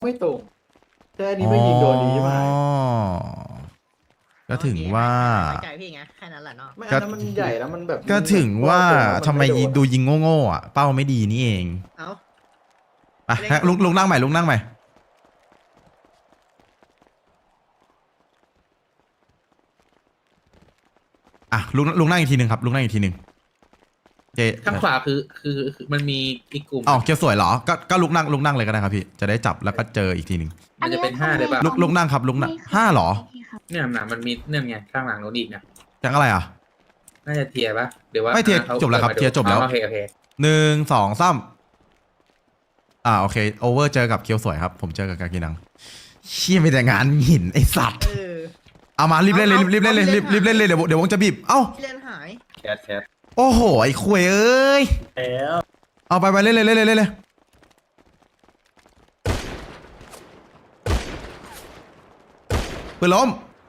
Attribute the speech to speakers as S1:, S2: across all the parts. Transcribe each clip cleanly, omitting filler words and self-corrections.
S1: ไม่ตรงแค่นี้ไม่ยิงโดนดีใช่ไหม
S2: ก็ถึงว่า
S3: ไว้ใจพี่ไงแค่นั้นแหละเนาะ
S1: ไม่อันนั้นมันใหญ่แล้วมันแบบ
S2: ก็ถึงว่าทำไม
S1: นโน
S2: ดูยิงโง่ๆอ่ะเป้าไม่ดีนี่เอง
S3: เอ้า
S2: ไปลุงนั่งใหม่ลุงนั่งใหม่อ่ะลุงนั่งอีกทีหนึ่งครับลุงนั่งอีกทีหนึ่งเจ
S4: ข้างขวาคือมันมีอีกกลุ่ม
S2: อ๋อเกียวสวยเหรอก็ลุกนั่งเลยก็ได้ครับพี่จะได้จับแล้วก็เจออีกทีหนึ่ง
S4: มันจะเป็น5เลยป่ะ
S2: ลุกนั่งครับลุกนั่งห้าเหรอ
S4: เนี่ยหนามันมีเนี่ยไงข้างหลังโน้นอีกนะ
S2: จังอะไรอ่ะ
S4: น่าจะเทียร์ป่ะหรือว่า
S2: ไม่เทียร์
S4: ขา
S2: จบแล้วครับ
S4: ปิดมาดู
S2: เทียร์จบแล้ว
S4: โอเค
S2: 1 2 3โอเคโอเวอร์เจอกับเคียวสวยครับผมเจอกับกากินังเชี่ยมีแต่งานหินไอสัตว์
S3: เออ
S2: เอามารีบเล่นเลยรีบเล่นเลยรีบเล่นเลยเดี๋ยววงจะบีบเอ้า
S3: พี่เล่นหาย
S4: แคท
S2: โอ้โหไอ้คุยเอ้ย
S1: แล้ว
S2: เอาไปเล่นเลยปืนล้ม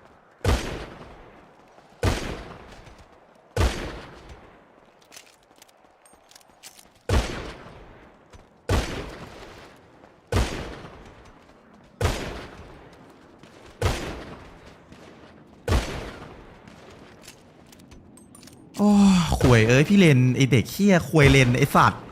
S2: โอ้คุยเอ้ยพี่เลนไอเด็กเขี้ยคุยเลนไอสัตว์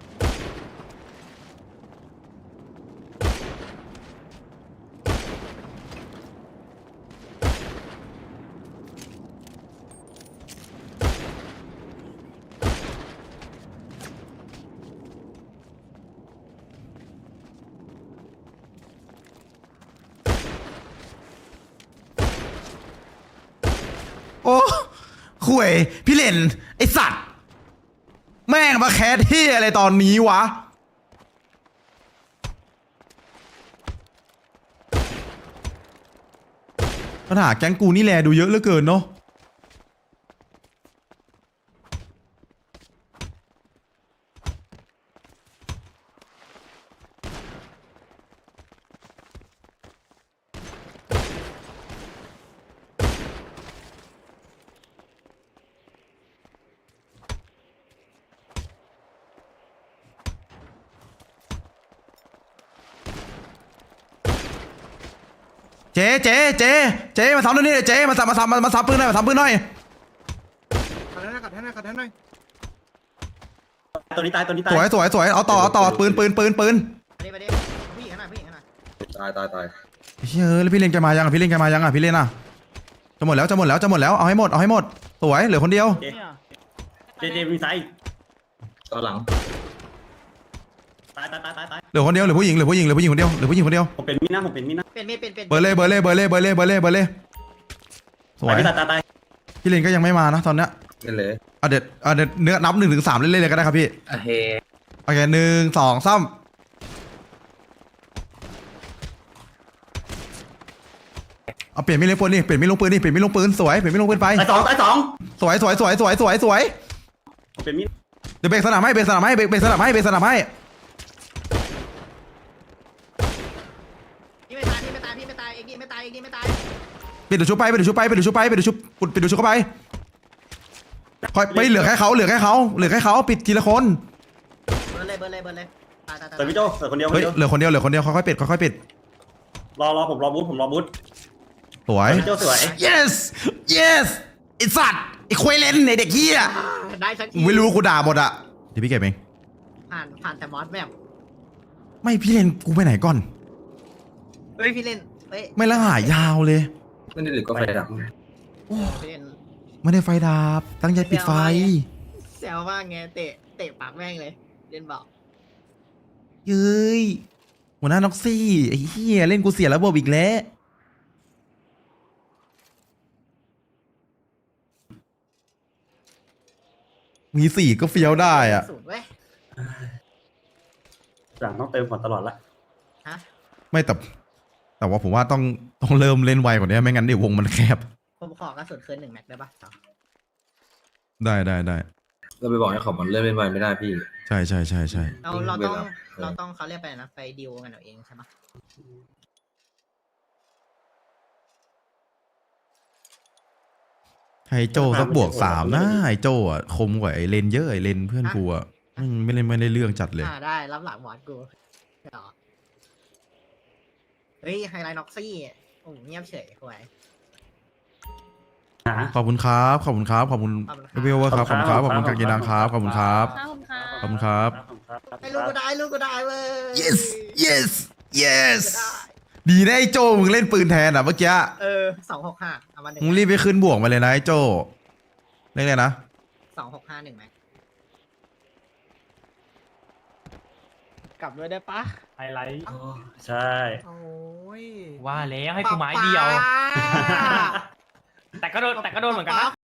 S2: โอ้คุยพี่เลนไอสัตว์แม่งมาแคสที่อะไรตอนนี้วะปัญหาแก๊งกูนี่แลดูเยอะเหลือเกินเนาะเจ๊มาซ้ำด้วยนี่เจ๊มาซ้ำปืนหน่อยมาซ้ำปืนหน่อย
S1: ตัวนี้ตายตัวนี้ตาย
S2: สวยเอาต่อปืน
S3: ไปดิผู้หญิงขนาดผู้หญิงขนาด
S4: ตาย
S2: เฮ้ยแล้วพี่เล่นแกมายังอ่ะพี่เล่นอ่ะจะหมดแล้วเอาให้หมดสวยเหลือคนเดียว
S1: เจมีไซ
S4: ตอนหลัง
S1: ตาย
S2: เหลือคนเดียวเหลือผู้หญิงคนเดียว
S1: ผมเป็นมีดนะ
S3: เป็นมีดเป็น
S2: เบอร์เลยสวย
S1: ตาย
S2: พี่เล่นก็ยังไม่มานะตอนเนี้ย
S4: นี่เลย
S2: เดี๋ยวเนื้อนับ1 ถึง 3เล่นๆเลยก็ได้ครับพี่
S4: โอเค
S2: โอเค1 2 3เอาเปลี่ยนไม่เล่นปืนนี่เปลี่ยนไม่ลงปืนสวยเปลี่ยนไม่ลงปืนไป
S1: ตายสอง
S2: สวย
S1: ผมเป็นมีด
S2: เดี๋ยวเบรกสนามให้
S3: พี่ไม่ตายพี่ไม่ตายเอ็กซ์ไม่ตาย
S2: ปิดดูชุบไปปิดดูชุบเข้าไปคอยไปเหลือแค่เขาปิดทีละคน
S3: เบิร์เลยตาย
S1: แต่พี่โจแต่คนเดียว
S2: เฮ้ยเหลือคนเดียวค่อยๆปิด
S1: รอผมรอบูท
S2: สวย
S1: พี่โจสวย
S2: yes ไอสัตว์ไอควยเลนไอเด็กเหี้ย
S3: ได้สักที
S2: ไม่รู้กูด่าหมดอ่ะเดี๋ยวพี่เก็บเอง
S3: ผ่านแต่มอสแบบ
S2: ไม่พี่เลนกูไปไหนก่อน
S3: เฮ้ยพี่เล่นเฮ้ย
S2: ไม่ละหายาวเลย
S4: ไม่ได้หรือก็ไฟดับ
S3: พี่เล่น
S2: ไม่ได้ไฟดับตั้งใจปิดไฟ
S3: แซวมากไงเตะปากแม่งเลยเล่นบอก
S2: เย้ยหัวหน้าน็อกซี่ไอ้เหี้ยเล่นกูเสียระบบอีกแล้วมี4ก็เฟี้ยวได้อ่ะ
S3: สูตรเว้ย
S1: หลังต้องเติมก่อนตลอดละ
S3: ฮะ
S2: ไม่แต่ว่าผมว่าต้องเริ่มเล่นไวกว่านี้ไม่งั้นเดี๋ยววงมันแคบ
S3: ผมขอกระสุนคืน1 แม็กได้ปะ
S2: ได้
S4: เราไปบอกให้เขามันเล่นเป็นไวไม่ได้พี่
S2: ใช่
S3: เราต้อง
S4: เวลา
S3: เราต้องเขาเรียกไปนะไปดิวกันเอาเองใช่ปะ
S2: ไฮโจสักบวก3นะไฮโจอ่ะคมกว่าไอเลนเยอะไอเลนเพื่อนกูอ่ะไม่ได้เรื่องจัดเลย
S3: ได้รับหลังหมอนกูเฮ้ยไฮไลท์น็อกซี่โอ้เงียบเฉยหวย
S1: หา
S2: ขอบคุณครับขอบคุณครับขอบคุณ
S3: ขอบคุณครับ
S2: เวลครับขอบคุณครับขอบคุณกางเกงดังครับขอบคุณครับ
S5: ขอบคุณค่ะ
S2: ขอบคุณครับ
S3: ให้ลูกก็ได้ลูกก็ได้เว้ย
S2: yes yes yes
S3: ก็ได้
S2: ดีนะไอ้โจมึงเล่นปืนแทนอ่ะเมื่อกี้
S3: 265เอามาหนึ่ง
S2: มึงรีบไปขึ้นบวกมาเลยนะไอ้โจเรียกเลยนะ
S3: 2651ไหม
S6: กลับด้วยได้ปะ
S7: ไฮไลท์
S1: ใช่
S3: โอ้ย
S7: ว่าแล้วให้กูไม้เดียว แต่ก็โดนเหมือนกันนะ